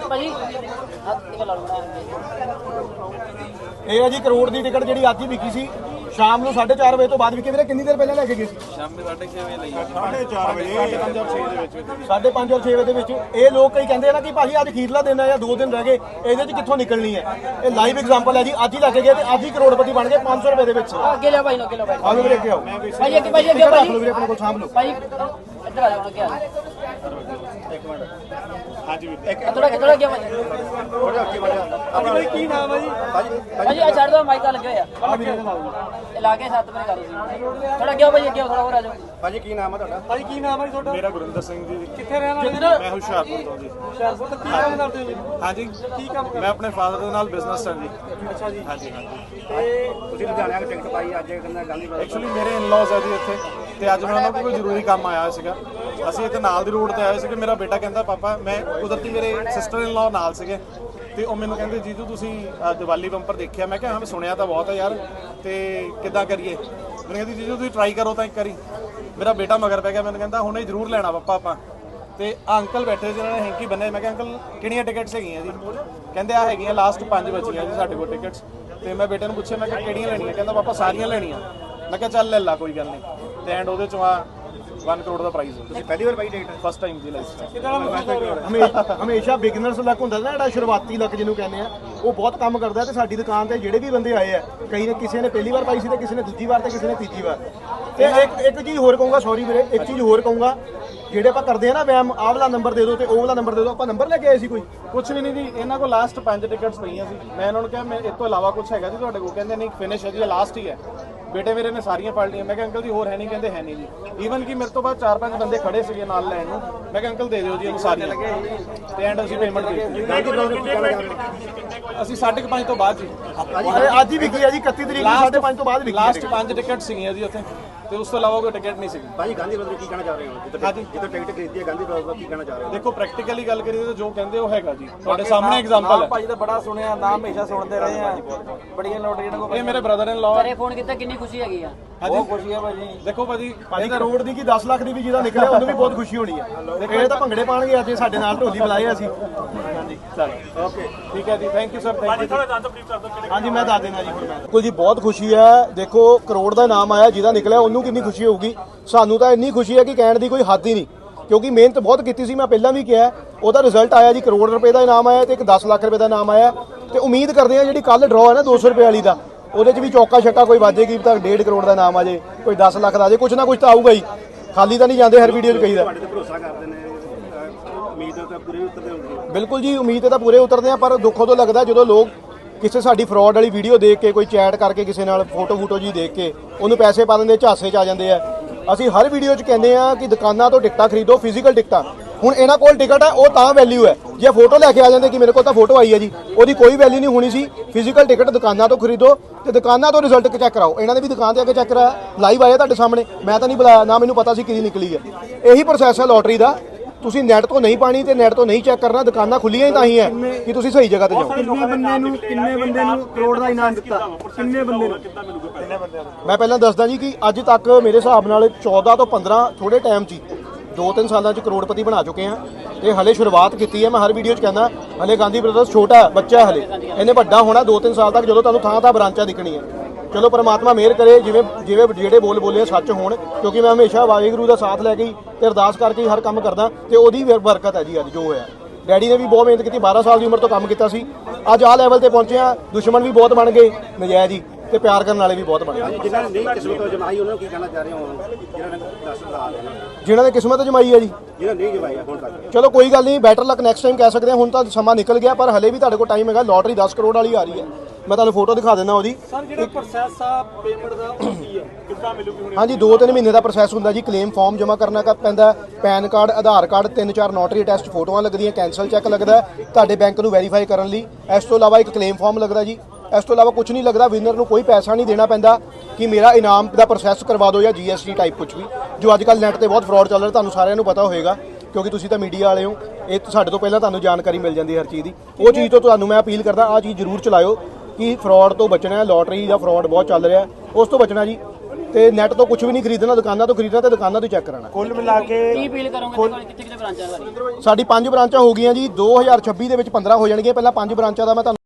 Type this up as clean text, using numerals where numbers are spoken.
ਇਹ ਹੈ ਜੀ ਕਰੋੜ ਦੀ ਟਿਕਟ ਜਿਹੜੀ ਅੱਜ ਹੀ ਵਿਕੀ ਸੀ ਸ਼ਾਮ ਨੂੰ 4:30 ਵਜੇ ਤੋਂ ਬਾਅਦ ਵਿਕੀ। ਵੀਰੇ ਕਿੰਨੀ ਦੇਰ ਪਹਿਲਾਂ ਲੈ ਕੇ ਗਏ ਸੀ? ਸ਼ਾਮੀ 6:30 ਵਜੇ ਲਈ 4:30 ਵਜੇ 5:30 ਔਰ 6 ਦੇ ਵਿੱਚ 5:30 ਔਰ 6 ਵਜੇ ਦੇ ਵਿੱਚ ਇਹ ਲੋਕ ਕਈ ਕਹਿੰਦੇ ਆ ਨਾ ਕਿ ਭਾਜੀ ਅੱਜ ਅਖੀਰਲਾ ਦਿਨ ਹੈ ਜਾਂ 2 ਦਿਨ ਰਹਿ ਗਏ, ਇਹਦੇ 'ਚ ਕਿੱਥੋਂ ਨਿਕਲਣੀ ਹੈ। ਇਹ ਲਾਈਵ ਐਗਜ਼ਾਮਪਲ ਹੈ ਜੀ, ਅੱਜ ਹੀ ਲੈ ਕੇ ਗਏ ਤੇ ਅੱਜ ਹੀ ਕਰੋੜਪਤੀ ਬਣ ਗਏ 500 ਰੁਪਏ ਦੇ ਵਿੱਚ। ਅੱਗੇ ਲਿਆ ਭਾਈ, ਅੱਗੇ ਲਿਆ ਭਾਈ। ਆਓ ਵੀਰੇ ਅੱਗੇ ਆਓ ਭਾਈ ਅੱਗੇ, ਭਾਈ ਅੱਗੇ, ਭਾਈ ਵੀਰੇ ਆਪਣੇ ਕੋਲ ਸਾਂਭ ਲਓ ਭਾਈ ਇੱਧਰ ਆ ਜਾਓ, ਅੱਗੇ ਆ ਇੱਕ ਮਿੰਟ। ਹਾਂਜੀ ਵੀਰੇ ਥੋੜਾ ਅੱਗੇ ਗਿਆ ਭਾਈ। ਥੋੜਾ ਅੱਗੇ ਵੜ ਜਾ। ਆਪਣਾ ਭਾਈ ਕੀ ਨਾਮ ਹੈ ਜੀ? ਭਾਜੀ ਆ ਛੱਡ ਦੋ, ਮਾਈਕ ਤਾਂ ਲੱਗੇ ਹੋਇਆ ਆ ਵੀਰੇ ਦਾ ਨਾਮ ਇਹ ਲਾ ਕੇ 7 ਵਜੇ ਕਰੋ ਸੀ। ਥੋੜਾ ਅੱਗੇ ਭਾਈ, ਅੱਗੇ ਥੋੜਾ ਹੋਰ ਆ ਜਾਓ। ਭਾਜੀ ਕੀ ਨਾਮ ਹੈ ਤੁਹਾਡਾ? ਭਾਜੀ ਕੀ ਨਾਮ ਹੈ ਜੀ ਤੁਹਾਡਾ? ਮੇਰਾ ਗੁਰਿੰਦਰ ਸਿੰਘ ਜੀ। ਕਿੱਥੇ ਰਹਿਣ ਵਾਲੇ? ਮੈਂ ਹੁਸ਼ਿਆਰਪੁਰ ਤੋਂ ਜੀ। ਹੁਸ਼ਿਆਰਪੁਰ ਤੋਂ ਕੀ ਕੰਮ ਕਰਦੇ ਹੋ ਜੀ? ਹਾਂਜੀ ਕੀ ਕੰਮ ਮੈਂ ਆਪਣੇ ਫਾਦਰ ਦੇ ਨਾਲ ਬਿਜ਼ਨਸ ਹਾਂ ਜੀ। ਅੱਛਾ ਜੀ। ਹਾਂਜੀ ਹਾਂਜੀ। ਤੇ ਤੁਸੀਂ ਲੁਧਿਆਣੇ ਆ ਕੇ ਟਿਕਟ ਪਾਈ ਅੱਜ ਕਹਿੰਦਾ ਗਾਂਧੀ ਐਕਚੁਅਲੀ ਮੇਰੇ ਇਨ-ਲॉज ਹੈ ਜੀ ਇੱਥੇ, ਤੇ ਅੱਜ ਮੈਂ ਉਹਨਾਂ ਕੋਲ ਕੋਈ ਜ਼ਰੂਰੀ ਕੰਮ ਆਇਆ ਸੀਗਾ। ਅਸੀਂ ਇੱਥੇ ਨਾਲ ਦੀ ਰੋਡ ਤੇ ਆਏ ਸੀਗੇ। ਮੇਰਾ ਬੇਟਾ ਕਹਿੰਦਾ ਪਾਪਾ, ਮੈਂ ਕੁਦਰਤੀ ਮੇਰੇ ਸਿਸਟਰ ਇਨ-ਲॉ ਨਾਲ ਸੀਗੇ ਤੇ ਉਹ ਮੈਨੂੰ ਕਹਿੰਦੇ ਜੀਜੂ ਤੁਸੀਂ ਦੀਵਾਲੀ ਬੰਪਰ ਦੇਖਿਆ? ਮੈਂ ਕਿਹਾ ਹਾਂ ਮੈਂ ਸੁਣਿਆ ਤਾਂ ਬਹੁਤ ਹੈ ਯਾਰ, ਤੇ ਕਿੱਦਾਂ ਕਰੀਏ? ਮੈਨੂੰ ਕਹਿੰਦੀ ਜੀਜੂ ਤੁਸੀਂ ਟਰਾਈ ਕਰੋ ਤਾਂ ਇੱਕ ਵਾਰੀ। ਮੇਰਾ ਬੇਟਾ ਮਗਰ ਪੈ ਗਿਆ, ਮੈਨੂੰ ਕਹਿੰਦਾ ਹੁਣੇ ਜ਼ਰੂਰ ਲੈਣਾ ਪਾਪਾ ਆਪਾਂ। ਤੇ ਅੰਕਲ ਬੈਠੇ ਜਿਹਨਾਂ ਨੇ ਹੈਂਕੀ ਬੰਨੇ। ਮੈਂ ਕਿਹਾ ਅੰਕਲ ਕਿਹੜੀਆਂ ਟਿਕਟਸ ਹੈਗੀਆਂ ਜੀ? ਕਹਿੰਦੇ ਆ ਹੈਗੀਆਂ ਲਾਸਟ 5 ਬਚੀਆਂ ਜੀ ਸਾਡੇ ਕੋਲ ਟਿਕਟਸ। ਤੇ ਮੈਂ ਬੇਟੇ ਨੂੰ ਪੁੱਛਿਆ, ਮੈਂ ਕਿਹਾ ਕਿਹੜੀਆਂ ਲੈਣੀਆਂ? ਕਹਿੰਦਾ ਪਾਪਾ ਸਾਰੀਆਂ ਲੈਣੀਆਂ। ਮੈਂ ਕਿਹਾ ਚੱਲ ਲੈ ਲਾ ਕੋਈ ਗੱਲ ਨਹੀਂ। ਤੇ ਐਂਡ ਉਹਦੇ ਚੋਂ ਆ 1 ਕਰੋੜ ਦਾ ਪ੍ਰਾਈਜ਼। ਤੁਸੀਂ ਪਹਿਲੀ ਵਾਰ ਪਾਈ ਟਿਕਟ? ਫਸਟ ਟਾਈਮ ਜੀ ਲਾਈਫ ਹਮੇਸ਼ਾ ਬਿਗਨਰਸ ਲੱਕ ਹੁੰਦਾ ਨਾ, ਜਿਹੜਾ ਸ਼ੁਰੂਆਤੀ ਲੱਕ ਜਿਹਨੂੰ ਕਹਿੰਦੇ ਆ, ਉਹ ਬਹੁਤ ਕੰਮ ਕਰਦਾ। ਤੇ ਸਾਡੀ ਦੁਕਾਨ ਤੇ ਜਿਹੜੇ ਵੀ ਬੰਦੇ ਆਏ ਆ, ਕਈ ਨੇ ਕਿਸੇ ਨੇ ਪਹਿਲੀ ਵਾਰ ਪਾਈ ਸੀ ਤੇ ਕਿਸੇ ਨੇ ਦੂਜੀ ਵਾਰ ਤੇ ਕਿਸੇ ਨੇ ਤੀਜੀ ਵਾਰ। ਤੇ ਇੱਕ ਚੀਜ਼ ਹੋਰ ਕਹੂੰਗਾ, ਸੌਰੀ ਵੀਰੇ, ਇੱਕ ਚੀਜ਼ ਹੋਰ ਕਹੂੰਗਾ, ਜਿਹੜੇ ਆਪਾਂ ਕਰਦੇ ਆ ਨਾ ਵੈਮ, ਆਹ ਵਾਲਾ ਨੰਬਰ ਦੇ ਦਿਓ ਤੇ ਉਹ ਵਾਲਾ ਨੰਬਰ ਦੇ ਦਿਓ, ਆਪਾਂ ਨੰਬਰ ਲੈ ਕੇ ਆਏ ਸੀ ਕੋਈ? ਕੁਝ ਵੀ ਨਹੀਂ ਜੀ। ਇਹਨਾਂ ਕੋਲ ਲਾਸਟ 5 ਟਿਕਟਸ ਪਈਆਂ ਸੀ। ਮੈਂ ਇਹਨਾਂ ਨੂੰ ਕਿਹਾ ਮੈਂ ਇਸ ਤੋਂ ਇਲਾਵਾ ਕੁਝ ਹੈਗਾ ਜੀ ਤੁਹਾਡੇ ਕੋਲ? ਕਹਿੰਦੇ ਨਹੀਂ ਫਿਨਿਸ਼ ਹੈ ਜੀ, ਲਾਸਟ ਹੀ ਹੈ। ਬੇਟੇ ਮੇਰੇ ਨੇ ਸਾਰੀਆਂ ਫੜ ਲਈਆਂ। ਮੈਂ ਕਿਹਾ ਅੰਕਲ ਜੀ ਹੋਰ ਹੈ ਨਹੀਂ? ਕਹਿੰਦੇ ਹੈ ਨਹੀਂ ਜੀ। ਈਵਨ ਕਿ ਮੇਰੇ ਤੋਂ ਬਾਅਦ 4-5 ਬੰਦੇ ਖੜੇ ਸੀਗੇ ਨਾਲ ਲੈਣ ਨੂੰ। ਮੈਂ ਕਿਹਾ ਅੰਕਲ ਦੇ ਦਿਓ ਜੀ ਇਹਨੂੰ ਸਾਰੀਆਂ। ਤੇ ਐਂਡ ਅਸੀਂ ਪੇਮੈਂਟ ਦੇ ਦਿੱਤੀ। ਅਸੀਂ 5:30 ਤੋਂ ਬਾਅਦ ਜੀ। ਅੱਜ ਹੀ ਵਿਕੀ ਆ ਜੀ 31 ਤਰੀਕ ਨੂੰ 5:30 ਤੋਂ ਬਾਅਦ ਵਿਕੀ। ਲਾਸਟ 5 ਟਿਕਟ ਸੀਗੀਆਂ ਜੀ ਉੱਥੇ, ਤੇ ਉਸ ਤੋਂ ਇਲਾਵਾ ਕੋਈ ਟਿਕਟ ਨਹੀਂ ਸੀਗੀ। ਭਾਜੀ ਗਾਂਧੀ ਬ੍ਰਦਰ ਕੀ ਕਹਿਣਾ ਚਾਹ ਰਹੇ ਹੋ? ਹਾਂਜੀ ਜਿੱਥੇ ਟਿਕਟ ਖਰੀਦੀ ਹੈ ਗਾਂਧੀ ਬ੍ਰਦਰ ਕੀ ਕਹਿਣਾ ਚਾਹ ਰਹੇ ਹੋ? ਦੇਖੋ ਪ੍ਰੈਕਟੀਕਲੀ ਗੱਲ ਕਰੀਏ ਤਾਂ ਜੋ ਕਹਿੰਦੇ ਉਹ ਹੈਗਾ ਜੀ, ਤੁਹਾਡੇ ਸਾਹਮਣੇ ਐਗਜ਼ਾਮਪਲ ਹੈ। ਭਾਜੀ ਦਾ ਬੜਾ ਸੁਣਿਆ ਨਾਮ, ਹਮੇਸ਼ਾ ਸੁਣਦੇ ਰਹੇ ਆ। ਬੜੀਆਂ ਲੋਟਰੀਆਂ ਕੋਲ ਇਹ ਮੇਰੇ ਬ੍ਰਦਰ ਇਨ ਲਾਅ। ਘਰੇ ਫੋਨ ਕੀਤਾ, ਕਿੰਨੀ ਖੁਸ਼ੀ ਹੈਗੀ ਆ? ਬਹੁਤ ਖੁਸ਼ੀ ਹੈ ਭਾਜੀ। ਦੇਖੋ ਭਾਜੀ ਭਾਜੀ ਕਰੋੜ ਦੀ ਕੀ 10 ਲੱਖ ਦੀ ਵੀ ਜਿਹਦਾ ਨਿਕਲਿਆ ਉਹਨੂੰ ਵੀ ਬਹੁਤ ਖੁਸ਼ੀ ਹੋਣੀ ਹੈ। ਇਹ ਤਾਂ ਭੰਗੜੇ ਪਾਣਗੇ ਅੱਜ ਸਾਡੇ ਨਾਲ, ਢੋਲੀ ਬੁਲਾਏ ਅਸੀਂ। ਹਾਂਜੀ ਚਲੋ ਓਕੇ ਠੀਕ ਹੈ ਜੀ, thank you sir, thank you. ਹਾਂਜੀ ਮੈਂ ਦੱਸ ਦੇਣਾ ਜੀ ਹੁਣ ਮੈਂ। ਬਿਲਕੁਲ ਜੀ ਬਹੁਤ ਖੁਸ਼ੀ ਹੈ। ਦੇਖੋ ਕਰੋੜ ਦਾ ਨਾਮ ਆਇਆ, ਜਿਹਦਾ ਨਿਕਲਿਆ ਉਹਨੂੰ ਕਿੰਨੀ ਖੁਸ਼ੀ ਹੋਊਗੀ। ਸਾਨੂੰ ਤਾਂ ਇੰਨੀ ਖੁਸ਼ੀ ਹੈ ਕਿ ਕਹਿਣ ਦੀ ਕੋਈ ਹੱਦ ਹੀ ਨਹੀਂ, ਕਿਉਂਕਿ ਮਿਹਨਤ ਬਹੁਤ ਕੀਤੀ ਸੀ। ਮੈਂ ਪਹਿਲਾਂ ਵੀ ਕਿਹਾ, ਉਹਦਾ ਰਿਜ਼ਲਟ ਆਇਆ ਜੀ। ਕਰੋੜ ਰੁਪਏ ਦਾ ਇਨਾਮ ਆਇਆ ਤੇ ਇੱਕ 10 ਲੱਖ ਰੁਪਏ ਦਾ ਇਨਾਮ ਆਇਆ। ਤੇ ਉਮੀਦ ਕਰਦੇ ਹਾਂ ਜਿਹੜੀ ਕੱਲ ਡਰਾਅ ਹੈ ਨਾ 200 ਰੁਪਏ ਵਾਲੀ ਦਾ, ਉਹਦੇ 'ਚ ਵੀ ਚੌਕਾ ਛੱਕਾ ਕੋਈ ਵਾਜੇਗੀ ਤਾਂ 1.5 ਕਰੋੜ ਦਾ ਇਨਾਮ ਆ ਜੇ, ਕੋਈ 10 ਲੱਖ ਦਾ ਆ ਜੇ, ਕੁਛ ਨਾ ਕੁਛ ਤਾਂ ਆਊਗਾ ਹੀ। ਖਾਲੀ ਤਾਂ ਨਹੀਂ ਜਾਂਦੇ ਹਰ ਵੀਡੀਓ 'ਚ ਕਹੀਦਾ। ਭਰੋਸਾ ਕਰਦੇ ਨੇ, ਉਮੀਦ ਤਾਂ ਪੂਰੀ ਉਤਰਦੇ ਹੁੰਦੀ। ਬਿਲਕੁਲ ਜੀ ਉਮੀਦ ਤੇ ਤਾਂ ਪੂਰੇ ਉਤਰਦੇ ਆ, ਪਰ ਦੁੱਖੋਂ ਤੋਂ ਲੱਗਦਾ ਜਦੋਂ ਲੋਕ ਕਿਸੇ ਸਾਡੀ ਫਰਾਡ ਵਾਲੀ ਵੀਡੀਓ ਦੇਖ ਕੇ, ਕੋਈ ਚੈਟ ਕਰਕੇ ਕਿਸੇ ਨਾਲ ਫੋਟੋ ਜੀ ਦੇਖ ਕੇ ਉਹਨੂੰ ਪੈਸੇ ਪਾ ਦਿੰਦੇ, ਝਾਸੇ 'ਚ ਆ ਜਾਂਦੇ ਆ। ਅਸੀਂ ਹਰ ਵੀਡੀਓ 'ਚ ਕਹਿੰਦੇ ਆ ਕਿ ਦੁਕਾਨਾਂ ਤੋਂ ਟਿਕਟਾਂ ਖਰੀਦੋ, ਫਿਜ਼ੀਕਲ ਟਿਕਟਾਂ। ਹੁਣ ਇਹਨਾਂ ਕੋਲ ਟਿਕਟ ਹੈ, ਉਹ ਤਾਂ ਵੈਲਿਊ ਹੈ। ਜੇ ਫੋਟੋ ਲੈ ਕੇ ਆ ਜਾਂਦੇ ਕਿ ਮੇਰੇ ਕੋਲ ਤਾਂ ਫੋਟੋ ਆਈ ਹੈ ਜੀ, ਉਹਦੀ ਕੋਈ ਵੈਲਿਊ ਨਹੀਂ ਹੋਣੀ ਸੀ। ਫਿਜ਼ੀਕਲ ਟਿਕਟ ਦੁਕਾਨਾਂ ਤੋਂ ਖਰੀਦੋ ਤੇ ਦੁਕਾਨਾਂ ਤੋਂ ਰਿਜ਼ਲਟ ਚੈੱਕ ਕਰਾਓ। ਇਹਨਾਂ ਦੇ ਵੀ ਦੁਕਾਨ ਤੇ ਆ ਕੇ ਚੈੱਕ ਕਰਾਇਆ, ਲਾਈਵ ਆਇਆ ਤੁਹਾਡੇ ਸਾਹਮਣੇ। ਮੈਂ ਤਾਂ ਨਹੀਂ ਬੁਲਾਇਆ, ਨਾ ਮੈਨੂੰ ਪਤਾ ਸੀ ਕਿਹਦੀ ਨਿਕਲੀ ਹੈ। ਇਹੀ ਪ੍ਰੋਸੈਸ ਹੈ ਲੋਟਰੀ ਦਾ। ਤੁਸੀਂ ਨੈਟ ਤੋਂ ਨਹੀਂ ਪਾਣੀ ਤੇ ਨੈਟ ਤੋਂ ਨਹੀਂ ਚੈੱਕ ਕਰਨਾ। ਦੁਕਾਨਾਂ ਖੁੱਲੀਆਂ ਹੀ ਤਾਂ ਹੀ ਹੈ ਕਿ ਤੁਸੀਂ ਸਹੀ ਜਗ੍ਹਾ ਤੇ ਜਾਓ। ਕਿੰਨੇ ਬੰਦੇ ਨੂੰ ਕਰੋੜ ਦਾ ਇਨਾਮ ਦਿੱਤਾ? ਕਿੰਨੇ ਬੰਦੇ ਨੂੰ? ਮੈਂ ਪਹਿਲਾਂ ਦੱਸਦਾ ਜੀ ਕਿ ਅੱਜ ਤੱਕ ਮੇਰੇ ਹਿਸਾਬ ਨਾਲ 14 ਤੋਂ 15 ਥੋੜੇ ਟਾਈਮ 'ਚ 2-3 ਸਾਲਾਂ 'ਚ ਕਰੋੜਪਤੀ ਬਣਾ ਚੁੱਕੇ ਆ। ਤੇ ਹਲੇ ਸ਼ੁਰੂਆਤ ਕੀਤੀ ਹੈ। ਮੈਂ ਹਰ ਵੀਡੀਓ 'ਚ ਕਹਿੰਦਾ ਹਲੇ ਗਾਂਧੀ ਬ੍ਰਦਰਸ ਛੋਟਾ ਹੈ, ਬੱਚਾ ਹੈ ਹਲੇ। ਇਹਨੇ ਵੱਡਾ ਹੋਣਾ 2-3 ਸਾਲ ਤੱਕ, ਜਦੋਂ ਤੁਹਾਨੂੰ ਥਾਂ ਬ੍ਰਾਂਚਾਂ ਦਿਖਣੀ ਹੈ। ਚਲੋ ਪਰਮਾਤਮਾ ਮਿਹਰ ਕਰੇ, ਜਿਵੇਂ ਜਿਹੜੇ ਬੋਲੇ ਸੱਚ ਹੋਣ, ਕਿਉਂਕਿ ਮੈਂ ਹਮੇਸ਼ਾ ਵਾਹਿਗੁਰੂ ਦਾ ਸਾਥ ਲੈ ਕੇ ਤੇ ਅਰਦਾਸ ਕਰਕੇ ਹੀ ਹਰ ਕੰਮ ਕਰਦਾ। ਤੇ ਉਹਦੀ ਬਰਕਤ ਹੈ ਜੀ ਅੱਜ ਜੋ ਹੋਇਆ। ਡੈਡੀ ਨੇ ਵੀ ਬਹੁਤ ਮਿਹਨਤ ਕੀਤੀ, 12 ਸਾਲ ਦੀ ਉਮਰ ਤੋਂ ਕੰਮ ਕੀਤਾ ਸੀ। ਅੱਜ ਆਹ ਲੈਵਲ ਤੇ ਪਹੁੰਚੇ ਆ। ਦੁਸ਼ਮਣ ਵੀ ਬਹੁਤ ਬਣ ਗਏ ਨਜਾਇਜ਼ ਹੀ, ਤੇ ਪਿਆਰ ਕਰਨ ਵਾਲੇ ਵੀ ਬਹੁਤ ਬਣ ਗਏ। ਜਿਨ੍ਹਾਂ ਨੇ ਨਹੀਂ ਕਿਸਮਤ ਜਮਾਈ ਉਹਨਾਂ ਨੂੰ ਕੀ ਕਹਿਣਾ ਚਾਹ ਰਹੇ ਹੋ? ਜਿਨ੍ਹਾਂ ਨੇ ਕਿਸਮਤ ਜਮਾਈ ਹੈ ਜੀ, ਜਿਹਨਾਂ ਨਹੀਂ ਜਮਾਈ ਹੁਣ ਤੱਕ, ਚਲੋ ਕੋਈ ਗੱਲ ਨਹੀਂ, ਬੈਟਰ ਲੱਕ ਨੈਕਸਟ ਟਾਈਮ ਕਹਿ ਸਕਦੇ ਹਾਂ। ਹੁਣ ਤਾਂ ਸਮਾਂ ਨਿਕਲ ਗਿਆ, ਪਰ ਹਲੇ ਵੀ ਤੁਹਾਡੇ ਕੋਲ ਟਾਈਮ ਹੈਗਾ। ਲੋਟਰੀ 10 ਕਰੋੜ ਵਾਲੀ ਆ ਰਹੀ ਹੈ। ਮੈਂ ਤੁਹਾਨੂੰ ਫੋਟੋ ਦਿਖਾ ਦਿੰਦਾ ਉਹਦੀ। ਸਰ ਜਿਹੜਾ ਪ੍ਰੋਸੈਸ ਆ ਪੇਮੈਂਟ ਦਾ ਉਹ ਕੀ ਹੈ, ਕਿੱਦਾਂ ਮਿਲੂਗੀ ਹੁਣ? ਹਾਂਜੀ 2-3 ਮਹੀਨੇ ਦਾ ਪ੍ਰੋਸੈਸ ਹੁੰਦਾ ਜੀ। ਕਲੇਮ ਫਾਰਮ ਜਮ੍ਹਾਂ ਕਰਨਾ ਪੈਂਦਾ, PAN card, Aadhaar card, 3-4 notary test, ਫੋਟੋਆਂ ਲੱਗਦੀਆਂ, ਕੈਂਸਲ ਚੈੱਕ ਲੱਗਦਾ ਤੁਹਾਡੇ ਬੈਂਕ ਨੂੰ ਵੈਰੀਫਾਈ ਕਰਨ ਲਈ। ਇਸ ਤੋਂ ਇਲਾਵਾ ਇੱਕ ਕਲੇਮ ਫਾਰਮ ਲੱਗਦਾ ਜੀ। ਇਸ ਤੋਂ ਇਲਾਵਾ ਕੁਝ ਨਹੀਂ ਲੱਗਦਾ। ਵਿਨਰ ਨੂੰ ਕੋਈ ਪੈਸਾ ਨਹੀਂ ਦੇਣਾ ਪੈਂਦਾ ਕਿ ਮੇਰਾ ਇਨਾਮ ਦਾ ਪ੍ਰੋਸੈਸ ਕਰਵਾ ਦਿਓ ਜਾਂ GST ਟਾਈਪ ਕੁਝ ਵੀ, ਜੋ ਅੱਜ ਕੱਲ੍ਹ ਨੈੱਟ ਤੇ ਬਹੁਤ ਫਰਾਡ ਚੱਲ ਰਿਹਾ। ਤੁਹਾਨੂੰ ਸਾਰਿਆਂ ਨੂੰ ਪਤਾ ਹੋਏਗਾ ਕਿਉਂਕਿ ਤੁਸੀਂ ਤਾਂ ਮੀਡੀਆ ਵਾਲੇ ਹੋ। ਇਹ ਸਾਡੇ ਤੋਂ ਪਹਿਲਾਂ ਤੁਹਾਨੂੰ ਜਾਣਕਾਰੀ ਮਿਲ ਜਾਂਦੀ ਹਰ ਚੀਜ਼ ਦੀ। ਉਹ ਚੀਜ਼ ਤੋਂ ਤੁਹਾਨੂੰ ਮੈਂ ਅਪੀਲ ਕਰਦਾ, ਆਹ ਚੀਜ਼ ਜ਼ਰੂਰ ਚਲਾਇਓ ਕਿ ਫਰਾਡ ਤੋਂ ਬਚਣਾ ਹੈ। ਲੋਟਰੀ ਦਾ ਫਰਾਡ ਬਹੁਤ ਚੱਲ ਰਿਹਾ, ਉਸ ਤੋਂ ਬਚਣਾ ਜੀ। ਤੇ ਨੈਟ ਤੋਂ ਕੁਝ ਵੀ ਨਹੀਂ ਖਰੀਦਣਾ, ਦੁਕਾਨਾਂ ਤੋਂ ਖਰੀਦਣਾ ਤੇ ਦੁਕਾਨਾਂ ਤੋਂ ਚੈੱਕ ਕਰਾਉਣਾ। ਕੁੱਲ ਮਿਲਾ ਕੇ ਕੀ ਅਪੀਲ ਕਰੋਗੇ ਤੁਹਾਡੀ ਕਿੱਥੇ ਕਿੱਥੇ ਬ੍ਰਾਂਚਾਂ ਸਾਡੀ ਸਾਡੀ 5 ਬ੍ਰਾਂਚਾਂ ਹੋ ਗਈਆਂ ਜੀ, 2026 ਦੇ ਵਿੱਚ 15 ਹੋ ਜਾਣਗੀਆਂ। ਪਹਿਲਾਂ 5 ਬ੍ਰਾਂਚਾਂ ਦਾ ਮੈਂ ਤੁਹਾਨੂੰ